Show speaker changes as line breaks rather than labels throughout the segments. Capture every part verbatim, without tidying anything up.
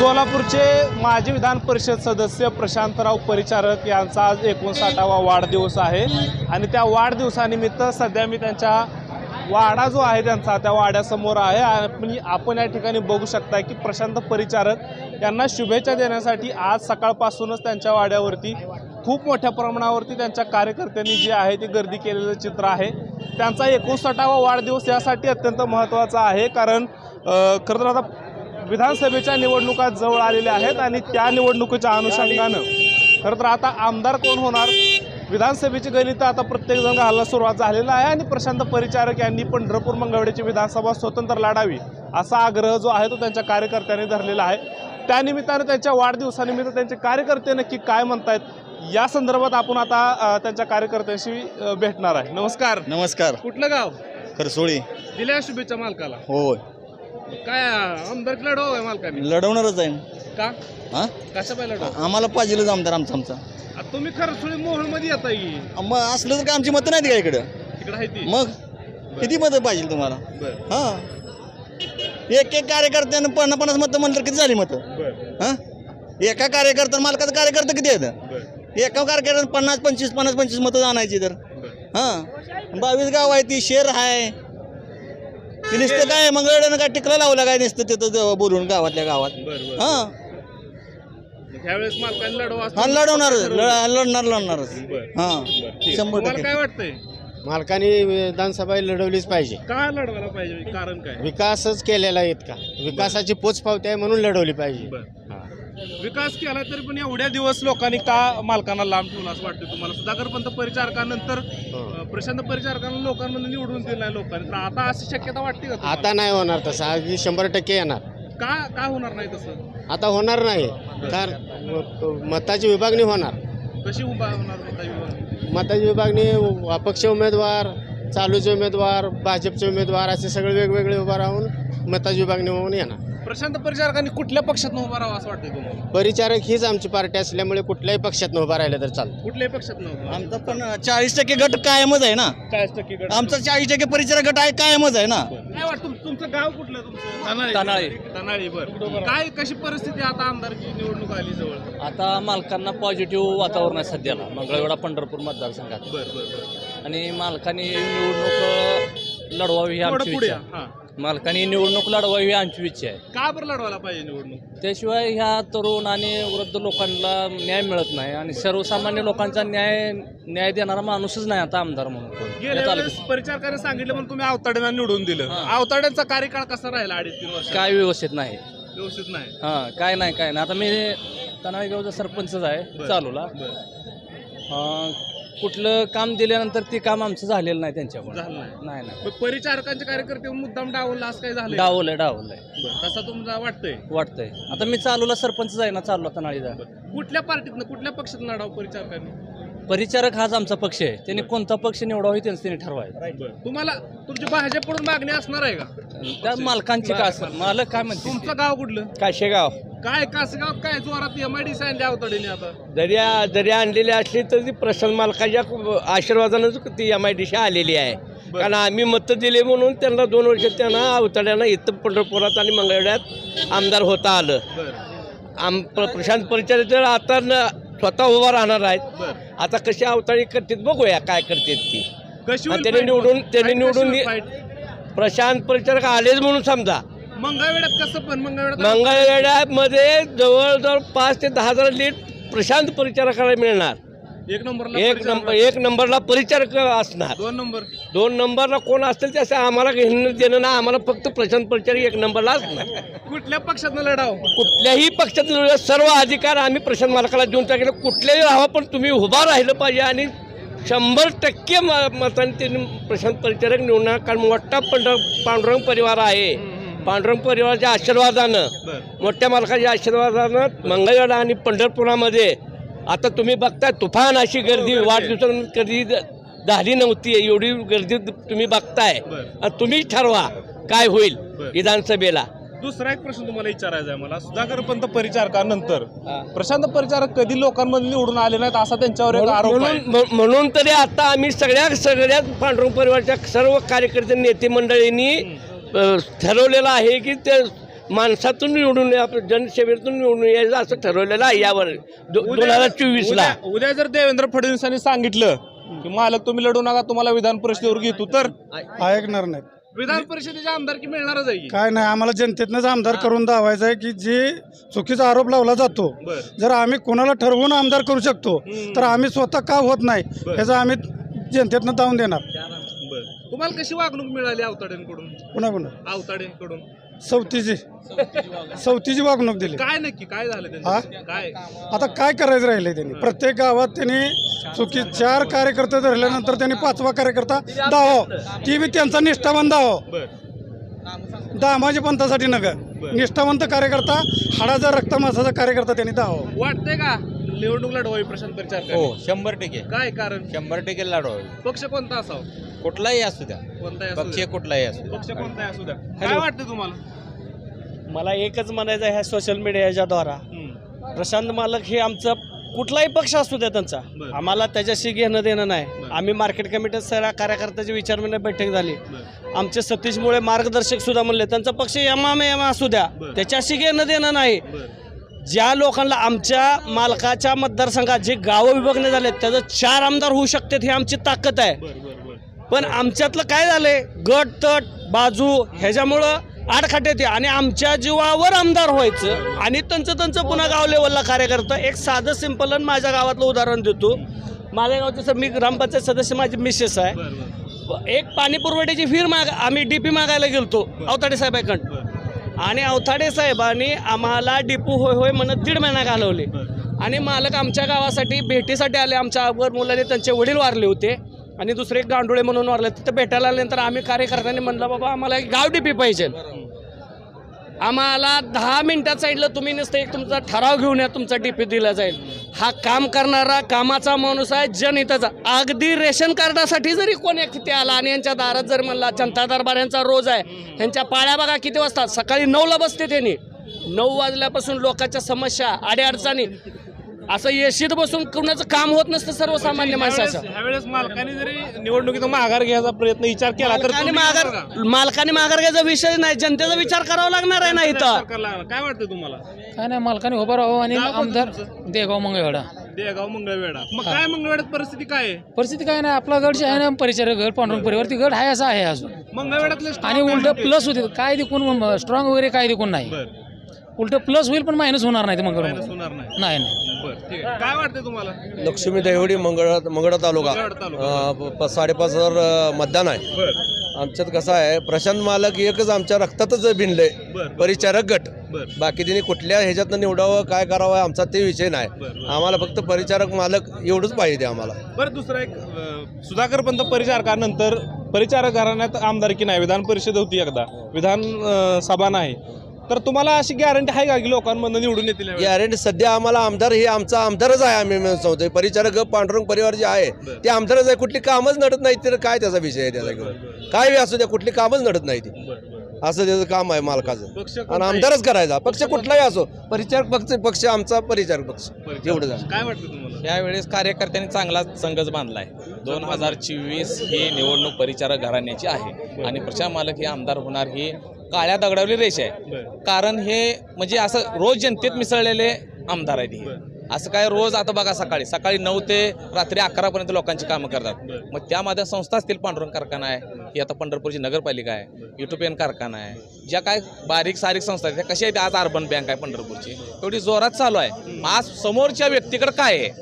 सोलापूरचे माजी विधान परिषद सदस्य प्रशांतराव परिचारक यांचा आज एकोणसाठावा वाढदिवस आहे आणि त्या वाढदिवसानिमित्त सध्या मी त्यांच्या वाडा जो आहे त्यांचा त्या वाड्यासमोर आहे आणि आपण या ठिकाणी बघू शकता की प्रशांत परिचारक यांना शुभेच्छा देण्यासाठी आज सकाळपासूनच त्यांच्या वाड्यावरती खूप मोठ्या प्रमाणावरती त्यांच्या कार्यकर्त्यांनी जे आहे ते गर्दी केलेलं चित्र आहे। त्यांचा एकोणसाठावा वाढदिवस यासाठी अत्यंत महत्त्वाचा आहे कारण खरं तर आता विधानसभेच्या निवडणुका जवळ आलेल्या आहेत आणि त्या निवडणुकीच्या अनुषंगानं खरं तर आता आमदार कोण होणार विधानसभेची गणितं आता प्रत्येकजण घालायला सुरुवात झालेला आहे आणि प्रशांत परिचारक यांनी पंढरपूर मंगळवेढ्याची विधानसभा स्वतंत्र लढावी असा आग्रह जो आहे तो त्यांच्या कार्यकर्त्यांनी धरलेला आहे। त्यानिमित्तानं त्यांच्या वाढदिवसानिमित्त त्यांचे कार्यकर्ते नक्की काय म्हणतायत या संदर्भात आपण आता त्यांच्या कार्यकर्त्यांशी भेटणार आहे। नमस्कार।
नमस्कार।
कुठलं गाव?
खरसोळी। दिल्या
शुभेच्छा मालकाला?
होय।
काय आमदार लढव आहे मालकाने?
लढवणारच आहे का? हा
कशा पाहिजे लढव?
आम्हाला पाहिजेलच आमदार आमचा आमचा।
तुम्ही खरसोळी मोहोळ मध्ये येता की
मग असलं तर काय आमची मतं नाहीत का इकडे?
इकडे आहे ती
मग किती मतं पाहिजे तुम्हाला? हा एक एक कार्यकर्त्यानं पन्नास पन्नास मतं म्हणलं किती झाली मतं? हा एका कार्यकर्त्यानं मालकाचं कार्यकर्ता किती आहेत? एका कार्यकर्त्यानं पन्नास पंचवीस पन्नास पंचवीस मतं आणायची तर हा बावीस गाव आहे ती शेर आहे ती नुसतं काय मंगळवेढ्यानं काय टिकला लावला काय नुसतं तिथं बोलून गावातल्या गावात हा
त्यावेळेस मालकाने लढवा
हा लढवणार लढणार लढणारच हा शंभर टक्के।
काय वाटतंय
मालकाने विधानसभा लढवलीच पाहिजे?
काय लढवायला पाहिजे कारण काय?
विकासच केलेला आहे इतका विकासाची पोचपावती आहे म्हणून लढवली पाहिजे।
विकास केला तरी पण एवढ्या दिवस लोकांनी का मालकांना लांब ठेवलं असं वाटतं तुम्हाला? सुधाकर पंत परिचारकानंतर प्रशांत परिचारकांना लोकांमध्ये निवडून दिलं आहे लोकांनी तर आता अशी शक्यता वाटते का?
आता नाही होणार तसं अगदी शंभर टक्के येणार।
का का होणार नाही तसं?
आता होणार नाही कारण मताची विभागणी होणार।
कशी उभा होणार मताची विभागणी?
मताची विभागणी अपक्ष उमेदवार चालूचे उमेदवार भाजपचे उमेदवार असे सगळे वेगवेगळे उभा राहून मताची विभागणी होऊन येणार।
प्रशांत परिचारकांनी कुठल्या पक्षात उभा राहावं असं वाटतंय तुम्हाला?
परिचारक हीच आमची पार्टी असल्यामुळे कुठल्याही पक्षात उभा राहिलं तर चालतं।
कुठल्याही पक्षात नव्हतं
आमचा पण चाळीस टक्के गट कायमच आहे ना।
चाळीस टक्के गट
आमचा चाळीस टक्के परिचारक गट आहे कायमच आहे ना।
काय वाटतं तुमचं गाव कुठलं? तुमचं
तनाळी।
तनाळी बरं काय कशी परिस्थिती आता आमदारची निवडणूक आली जवळ?
आता मालकांना पॉझिटिव्ह वातावरण आहे सध्याला मंगळवेढा पंढरपूर मतदारसंघात
बरं बरं
आणि मालकाने निवडणूक लढवावी ही आमची
पुढे
इच्छा आहे। मालकाने निवडणूक लढवावी ही आमची इच्छा आहे।
का बरं लढवायला पाहिजे निवडणूक? त्याशिवाय
ह्या तरुण आणि वृद्ध लोकांना न्याय मिळत नाही आणि सर्वसामान्य लोकांचा न्याय न्याय देणारा माणूसच नाही आता आमदार म्हणून।
गेल्या वेळेस परिचारकाने सांगितलं पण तुम्ही आवताड्यांना निवडून दिलं। आवताड्यांचा कार्यकाळ कसा राहिला अडीच तीन वर्ष?
काय व्यवस्थित नाही
व्यवस्थित नाही
हा काय नाही काय नाही। आता मी तनाळी गावचा सरपंचच आहे चालूला कुठलं काम दिल्यानंतर ते काम आमचं झालेलं नाही त्यांच्याकडून
झालं
नाही नाही
परिचारकांचे कार्यकर्ते मुद्दाम डावलला असं काय झालं?
डावलंय डावलंय
तसा तुमचा वाटतंय?
वाटतंय आता मी चालूला सरपंच आहे ना चालू तनाळीचा।
कुठल्या पार्टीतनं कुठल्या पक्षात लढाव परिचारकांनी?
परिचारक हाच आमचा पक्ष आहे त्यांनी कोणता पक्ष निवडावा त्यांचं त्यांनी ठरवायचं।
तुम्हाला तुमची भाजपकडून मागणी असणार आहे का?
त्या मालकांची का असणार मालक काय म्हणते?
तुमचं गाव कुठलं?
काशेगाव।
काय कासगाव काय जोरात एम आय डी सी आणली आवताडीने आता?
जरी जरी आणलेली असली तर ती प्रसन्न मालकाच्या आशीर्वादानंच ती एम आय डी सी आलेली आहे कारण आम्ही मतं दिले म्हणून त्यांना दोन वर्ष त्यांना अवताड्यांना इथं पंढरपुरात आणि मंगळवेढ्यात आमदार होता आलं। आम प्रशांत परिचारक तर आता स्वतः उभा राहणार आहेत। आता कशी अवताळी करतात बघूया काय करतात ती। त्यांनी निवडून त्यांनी निवडून प्रशांत परिचारक आलेच म्हणून समजा।
मंगळवेढ्यात कसं पण मंगळवेढ्यात
मंगळवेढ्यामध्ये जवळजवळ पाच ते दहा हजार लीट प्रशांत परिचारकाला मिळणार।
एक नंबरला
एक नंबर एक नंबरला परिचारक असणार।
दोन नंबर
दोन नंबरला कोण असतील त्याचं आम्हाला घेणं देणं ना आम्हाला फक्त प्रशांत परिचारक एक नंबरला असणार।
कुठल्या पक्षातनं लढाव?
कुठल्याही पक्षात सर्व अधिकार आम्ही प्रशांत मालकाला देऊन टाकले। कुठल्याही राहावं पण तुम्ही उभा राहिलं पाहिजे आणि शंभर टक्के मतांनी त्यांनी प्रशांत परिचारक निवडणार कारण मोठा पंढर पांडुरंग परिवार आहे। पांडुरंग परिवाराच्या आशीर्वादानं मोठ्या मालकाच्या आशीर्वादानं मंगळवेढा आणि पंढरपुरामध्ये आता तुम्ही बघताय तुफान अशी गर्दी वाढदिवसानंतर कधी झाली नव्हती एवढी गर्दी तुम्ही बघताय। तुम्हीच ठरवा काय होईल विधानसभेला।
दुसरा एक प्रश्न तुम्हाला विचारायचा आहे मला सुधाकर पंत परिचारकानंतर प्रशांत परिचारक कधी लोकांमध्ये निवडून आले नाहीत असा त्यांच्यावर एक आरोप आहे।
म्हणून तरी आता आम्ही सगळ्या सगळ्याच पांडुरंग परिवाराच्या सर्व कार्यकर्ते नेते मंडळींनी ठरवलेलं आहे की ते माणसातून निवडून आपण जनसेवेतून निवडून यायचं असं ठरवलेलं आहे यावर दो- दोन हजार चोवीस ला
उद्या उद्या जर देवेंद्र फडणवीसांनी सांगितलं की मालक तुम्ही लढू नका, तुम्हाला विधान परिषदेवर घेतो, तर
ऐकणार नाहीत.
विधान परिषदेची आमदारकी मिळणारच आहे की?
काय नाही, आम्हाला जनतेतनंच आमदार करून दावायचं आहे की जे चुकीचा आरोप लावला जातो,
बर
जर आम्ही कोणाला ठरवून आमदार करू शकतो तर आम्ही स्वतः का होत नाही ह्याचा आम्ही जनतेतनं दावून देणार.
बर तुम्हाला कशी वागणूक मिळाली आवताड्यांकडून?
पुन्हा पुन्हा
आवताड्यांकडून
सवतीची सवतीची वागणूक दिली.
काय नक्की काय झालं
हा?
त्यांचं? काय
आता काय करायचं राहिले त्यांनी? प्रत्येक गावात त्यांनी चुकी चार कार्यकर्ते धरल्यानंतर त्यांनी पाचवा कार्यकर्ता दावा, ती बी त्यांचा निष्ठावान दावा,
बर
दामाजी पंथासाठी नगर निष्ठावंत कार्यकर्ता, हाडाचा रक्तमासाचा कार्यकर्ता त्यांनी दावा.
वाटतंय का निवडणूक लढवावी प्रशांत परिचारक?
हो शंभर टक्के
काय कारण?
शंभर टक्के लढवावे.
पक्ष कोणता असावा?
कुठलाही असू द्या,
कोणताही असू
पक्ष
द्या.
कुठलाही असू द्या.
पक्ष कोणताही असू द्या. काय वाटतं तुम्हाला?
मला एकच म्हणायचं आहे ह्या सोशल मीडियाच्या द्वारा,
हम्म.
प्रशांत मालक हे आमचा कुठलाही पक्ष असू द्या त्यांचा,
बरं.
आम्हाला त्याच्याशी घेणं देणं नाही.
बरं.
आम्ही मार्केट कमिटीत सगळ्या कार्यकर्त्याची विचारविनिमय बैठक झाली.
बरं.
आमचे सतीशमुळे मार्गदर्शक सुद्धा म्हणले त्यांचा पक्ष एमा एमा असू द्या,
बरं.
त्याच्याशी घेणं देणं नाही.
बर
ज्या लोकांना आमच्या मालकाच्या मतदारसंघात जे गावं विभागणे झाले त्याचं चार आमदार होऊ शकतात, ही आमची ताकद आहे.
बर बर बर
पण आमच्यातलं काय झालंय, गट तट बाजू ह्याच्यामुळं आडखाट येते आणि आमच्या जीवावर आमदार व्हायचं आणि त्यांचं त्यांचं पुन्हा गाव लेवलला कार्यकर्ता. एक साधं सिंपल आणि माझ्या गावातलं उदाहरण देतो. माझ्या गावचं सर, मी ग्रामपंचायत सदस्य, माझी मिसेस आहे.
बर बर
एक पाणी पुरवठ्याची फिर माग आम्ही डीपी मागायला गेलतो अवताडे साहेबांकडं, आणि अवताडे साहेबांनी आम्हाला डिपू होय होय म्हणत दीड महिना घालवले. आणि मालक आमच्या गावासाठी भेटीसाठी आले. आमच्या अगोदर मुलाने त्यांचे वडील वारले होते आणि दुसरे एक गांडोळे म्हणून वारले. तिथं भेटायला आल्यानंतर आम्ही कार्यकर्त्यांनी म्हणलं बाबा आम्हाला एक गाव डीपी पाहिजे. आम्हाला दहा मिनिटात सांगितलं तुम्ही नुसतं एक तुमचा ठराव घेऊन या, तुमचा डीपी दिला जाईल. हा काम करणारा कामाचा माणूस आहे, जनहिताचा. अगदी रेशन कार्डासाठी जरी कोणी तिथे आला आणि यांच्या दारात जर म्हणला, जनता दरबार यांचा रोज आहे, ह्यांच्या पाळ्या बघा किती वाजतात, सकाळी नऊला बसते त्यांनी. नऊ वाजल्यापासून लोकांच्या समस्या अडीअडचणी, असं येशीत बसून कुणाचं काम होत नसतं सर्वसामान्य माणसाचं.
ह्यावेळेस मालकाने जरी निवडणुकीत माघार घ्यायचा प्रयत्न विचार केला तर
मालकाने
तुम्ही
माघार
करता का?
मालकाने माघार घ्यायचा विषय नाही, जनतेचा विचार करावा लागणार आहे ना इथं.
सरकारला काय वाटतं तुम्हाला?
काय नाही, मालकाने उभं राहावं आणि
गाव कोणतं
आमदार
तुमचं?
देगाव मंगळवेढा.
देगाव मंगळवेढा. मग काय मंगळवेढ्यात परिस्थिती काय आहे?
परिस्थिती काय नाही, आपला गड जे आहे ना परिचारक गड पांडुरंग परिवारती गड आहे असं आहे अजून.
मंगळवेढ्यातले strong
आणि
काय
उलट
म्हणते?
प्लस होते, काय देखून स्ट्रॉंग वगैरे काय देखून नाही,
बरं.
उलट प्लस होईल पण मायनस होणार नाही ते
मायनस
मंगळ
होणार नाही.
नाही नाही.
बरं ठीक आहे. काय वाटतं तुम्हाला?
लक्ष्मी देवडी मंगळ मंगळा तालुका
मंगळवेढा तालुका.
अं, प- प- साडेपाच हजार अं, मतदान आहे.
बरं
आमच्यात कसं आहे, प्रशांत मालक एकच आमच्या रक्तातच भिनले,
बरं
परिचारक गट.
बरं
बाकी त्यांनी कुठल्या ह्याच्यातनं निवडावं, काय करावं, आमचा ते विषय नाही.
बरं.
आम्हाला फक्त परिचारक मालक एवढंच पाहिजे आम्हाला.
बरं दुसरा एक अं, सुधाकर पंत परिचारकानंतर परिचारक घराण्यात आमदारकी नाही, विधान परिषद होती एकदा, विधान अं, सभा नाही, तर तुम्हाला अशी गॅरंटी आहे का की लोकांमधून निवडून येतील यावेळी?
गॅरंटी सध्या आम्हाला आमदार हे आमचा आमदारच आहे. आम्ही सांगतोय परिचारक पांडुरंग परिवार जे आहे ते आमदारच आहे. कुठली कामच नडत नाही, तर काय त्याचा विषय आहे त्याचा घेऊन, काय बी असू द्या, कुठली कामच नडत नाही ती.
बरं, बरं.
असं त्याचं काम आहे मालकाचं.
पक्ष
आणि
कोणताही-
आमदारच करायचा, पक्ष कुठलाही असो, परिचारक पक्ष पक्ष आमचा परिचारक पक्ष
परिचारक.
एवढं झालं.
काय वाटतं तुम्हाला?
यावेळेस कार्यकर्त्यांनी चांगला संघच बांधलाय. दोन हजार चोवीस ही निवडणूक परिचारक घराण्याची आहे आणि प्रशांत मालक हे आमदार होणार ही काळ्या दगडावली रेष आहे.
बरं.
कारण हे म्हणजे असं रोज जनतेत मिसळलेले आमदार आहेत हे.
बरं.
असं काय रोज आता बघा सकाळी सकाळी नऊ ते रात्री अकरापर्यंत लोकांची कामं करतात.
बरं.
मग त्यामध्ये संस्था असतील, पांडुरंग कारखाना आहे, ही आता पंढरपूरची नगरपालिका आहे, युटोपियन कारखाना आहे, ज्या काय बारीक सारीक संस्था आहेत त्या कशा आहेत, आज अर्बन बँक आहे पंढरपूरची, एवढी जोरात चालू आहे. आज समोरच्या व्यक्तीकडे काय आहे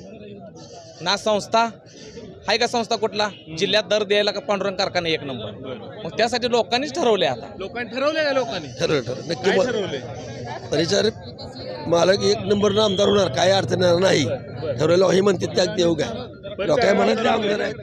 ना, संस्था आहे का, संस्था कुठला जिल्ह्यात दर द्यायला का पांडुरंग कारखाना एक नंबर. मग त्यासाठी लोकांनीच ठरवले आता.
लोकांनी ठरवलंय का? लोकांनी
ठरवलं ठरवलं नक्की
काय
बोल.
ठरवलंय?
परिचारक मालक एक नंबरनं आमदार होणार, काय अडचण येणार नाही. ठरवलं हे म्हणते त्या देऊ काय लोक काय म्हणत आमदार आहेत.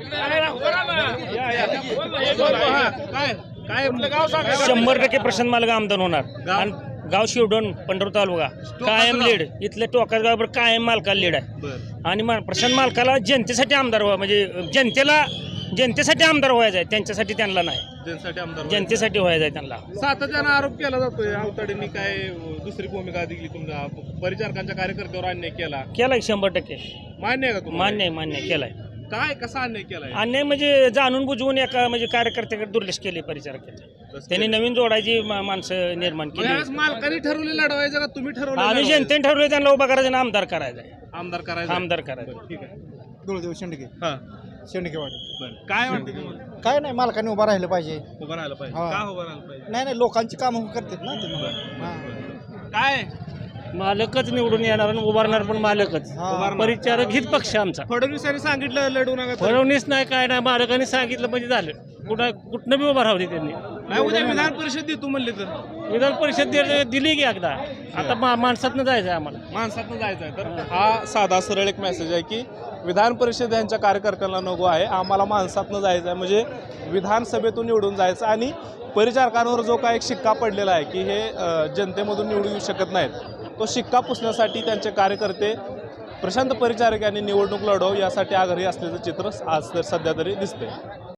हा, काय काय काय
शंभर टक्के प्रशांत मालक आमदार होणार.
गाव?
आणि गाव शिवडोन पंढरपूर तालुका कायम
गाव?
लीड, इथले टोकाच गावावर कायम मालकाला लीड आहे.
बरं.
आणि मा- प्रशांत मालकाला जनतेसाठी आमदार व्हा, म्हणजे जनतेला जनतेसाठी आमदार व्हायचं आहे, त्यांच्यासाठी त्यांना नाही,
जनतेसाठी आमदार
जनतेसाठी व्हायचं आहे त्यांना.
सातत्यानं आरोप केला जातोय आवताडेंनी काय दुसरी भूमिका दिली, तुमच्या परिचारकांच्या कार्यकर्त्यावर अन्याय केला,
केलाय शंभर टक्के
मान्य आहे का तुम्हाला?
मान्य आहे, मान्य आहे, केलाय.
काय कसा अन्याय केलाय?
अन्याय म्हणजे जाणून बुजवून एका म्हणजे कार्यकर्त्याकडे दुर्लक्ष केले परिचारकाचे. त्यांनी नवीन जोडायची मा- माणसं निर्माण केली.
यावेळेस मालकांनी ठरवले लढवायचं का तुम्ही ठरवलं
आम्ही
लढवायचं?
जनतेने ठरवलं त्यांना उभा करायचं आणि आमदार करायचा आहे.
आमदार करायचं
आमदार करायचं.
ठीक आहे.
धुळदेव शेंडके
हा
शेंडकेवाडी.
बरं. काय वाटतं तुम्हाला?
काय नाही मालकाने उभा राहिलं पाहिजे.
उभं राहायला पाहिजे.
हा.
का उभं राहायला पाहिजे?
नाही नाही लोकांची कामं करतात ना ते.
काय
मालकच निवडून येणार आणि उभारणार पण मालकच.
उभारणार.
परिचारक हित पक्ष आमचा.
फडणवीसांनी सांगितलं लढू नका तर.
फडणवीस नाही काय नाही मालकाने सांगितलं म्हणजे झालं. कुठं कुठनं बी उभा राहू दे त्यांनी.
नाही उद्या विधान परिषद देतो म्हणले तर
विधान परिषद दिली- दिली की एकदा. आता मा- माणसातनं जायचं आहे आम्हाला.
माणसातनं जायचं आहे. तर हा साधा सरळ एक मेसेज आहे की विधान परिषद यांच्या कार्यकर्त्यांना नको आहे, आम्हाला माणसातनं जायचं आहे. म्हणजे विधानसभेतून निवडून जायचं आणि परिचारकांवर जो काय एक शिक्का पडलेला आहे की हे अ, जनतेमधून निवडून येऊ शकत नाहीत, तो शिक्का पुसण्यासाठी त्यांचे कार्यकर्ते प्रशांत परिचारक यांनी निवडणूक लढव यासाठी आग्रही असल्याचं चित्र आज तर सध्या तरी दिसते.